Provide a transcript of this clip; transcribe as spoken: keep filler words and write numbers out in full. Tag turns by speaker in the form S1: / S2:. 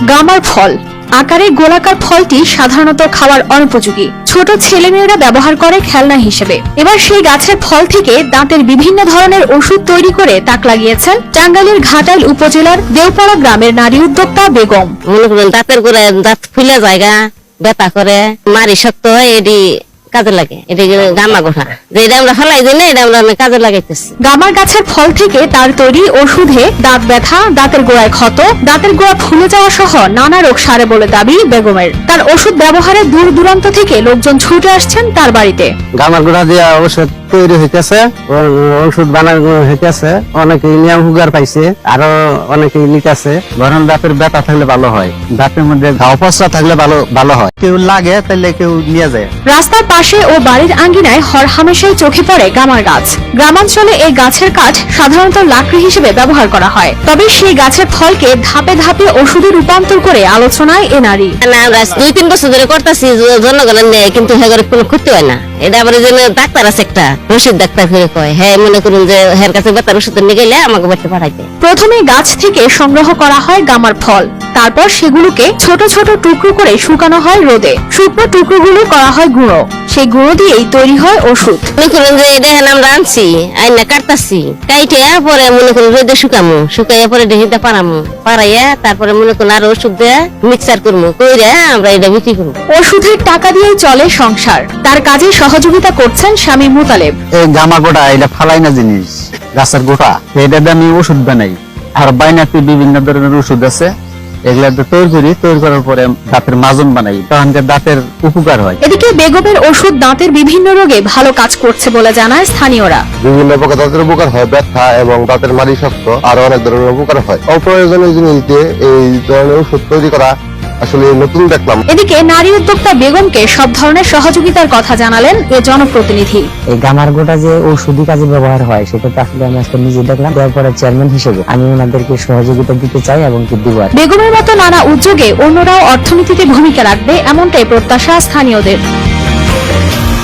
S1: গামার ফল আকারে গোলাকার ফলটি সাধারণত খাওয়ার অনুপযোগী। ছোট ছেলেমেয়েরা ব্যবহার করে খেলনা হিসেবে। এবার সেই গাছের ফল থেকে দাঁতের বিভিন্ন ধরনের ওষুধ তৈরি করে তাক লাগিয়েছেন টাঙ্গাইলের ঘাটাইল উপজেলার দেওপাড়া গ্রামের নারী উদ্যোক্তা বেগম।
S2: মনে করেন দাঁতের গোড়ায় দাঁত ফুলে জায়গা ব্যথা করে মারি শক্ত হয় এটি কাজে লাগে। এটা গামা গোঠা যেটা আমরা ফেলাই দিই না, এটা আমরা কাজে লাগাইতেছি।
S1: গামার গাছের ফল থেকে তার তৈরি ওষুধে দাঁত ব্যথা, দাঁতের গোড়ায় ক্ষত, দাঁতের গোড়া ফুলে যাওয়া সহ নানা রোগ সারে বলে দাবি বেগমের। তার ওষুধ ব্যবহারে দূর দূরান্ত থেকে লোকজন ছুটে আসছেন তার বাড়িতে।
S3: গামার গোড়া দিয়ে ওষুধ তৈরি হইতেছে, ওষুধ বানানো হইতেছে, অনেকে নিয়ম হুগার পাইছে, আরো অনেকে নিতেছে। ধরেন দাঁতের ব্যথা থাকলে ভালো হয়, দাঁতের মধ্যে ঘাও পচা থাকলে ভালো ভালো হয়। কেউ লাগে তাহলে কেউ নিয়ে যায়।
S1: রাস্তার পাশে ও বাড়ির আঙ্গিনায় হরহামেশাই চোখে পড়ে গামার গাছ। গ্রামাঞ্চলে এই গাছের কাঠ সাধারণত লাকড়ি হিসেবে ব্যবহার করা হয়, তবে সেই গাছের ফলকে ধাপে ধাপে ওষুধে রূপান্তর করে আলোচনায় এ নারী।
S2: আমরা দুই তিন বছর ধরে করতেছি জনগণের নেই, কিন্তু হ্যাঁ কোনো ক্ষতি হয় না। এটা আবার যে ডাক্তার আছে একটা রশিদ ডাক্তার করে কয়, হ্যাঁ মনে করুন যে হের কাছে ব্যথার ওষুধ নিয়ে গেলে আমাকে বাড়িতে পাঠাইতে।
S1: প্রথমে গাছ থেকে সংগ্রহ করা হয় গামার ফল, তারপর সেগুলোকে ছোট ছোট টুকরো করে শুকানো হয় রোদে। শুকনো টুকরোগুলো করা হয় গুঁড়ো, সেই গুঁড়ো দিয়েই তৈরি হয় ওষুধ।
S2: মনে করুন যে এটা আমরা আনছি আইনা কাটতাছি, কাইটে পরে মনে করুন রোদে শুকামু, শুকাইয়া পরে ঢেকিতে পারামু, পারাইয়া তারপরে মনে করুন আর ওষুধ দিয়ে মিক্সার করবো, কইরা আমরা এটা বিক্রি করবো।
S1: ওষুধের টাকা দিয়েই চলে সংসার। তার কাজে সহযোগিতা করছেন স্বামী মুতালেব।
S3: এই গামা গোটা এটা ফালাই না জিনিস, গাছের গোটা, এটা দিয়ে আমি ওষুধ বানাই। আর বাইনাতে বিভিন্ন ধরনের ওষুধ আছে, এগুলা তৈরি করি, তৈরি করার পরে দাঁতের মাজন বানাই, তখন দাঁতের উপকার হয়।
S1: এদিকে বেগমের ওষুধ দাঁতের বিভিন্ন রোগে ভালো কাজ করছে বলে জানায় স্থানীয়রা।
S4: বিভিন্ন প্রকার দাঁতের উপকার হয়, ব্যথা এবং দাঁতের মাড়ি শক্ত আরো অনেক ধরনের উপকার হয়। অপ্রয়োজনীয় জিনিস দিয়ে এই ধরনের ওষুধ তৈরি করা আসলে নতুন দেখলাম।
S1: এদিকে নারী উদ্যোক্তা বেগমকে সব ধরনের সহযোগিতার কথা জানালেন এ জনপ্রতিনিধি।
S5: এই গামার গোটা যে ঔষধি কাজে ব্যবহার হয় সেটা তো আসলে আমি আজকে নিজে দেখলাম। তারপরে চেয়ারম্যান হিসেবে আমি ওনাদেরকে সহযোগিতা দিতে চাই এবং কি দিব।
S1: বেগমের মতো নানা উদ্যোগে অন্যরাও অর্থনীতিতে ভূমিকা রাখবে, এমনটাই প্রত্যাশা স্থানীয়দের।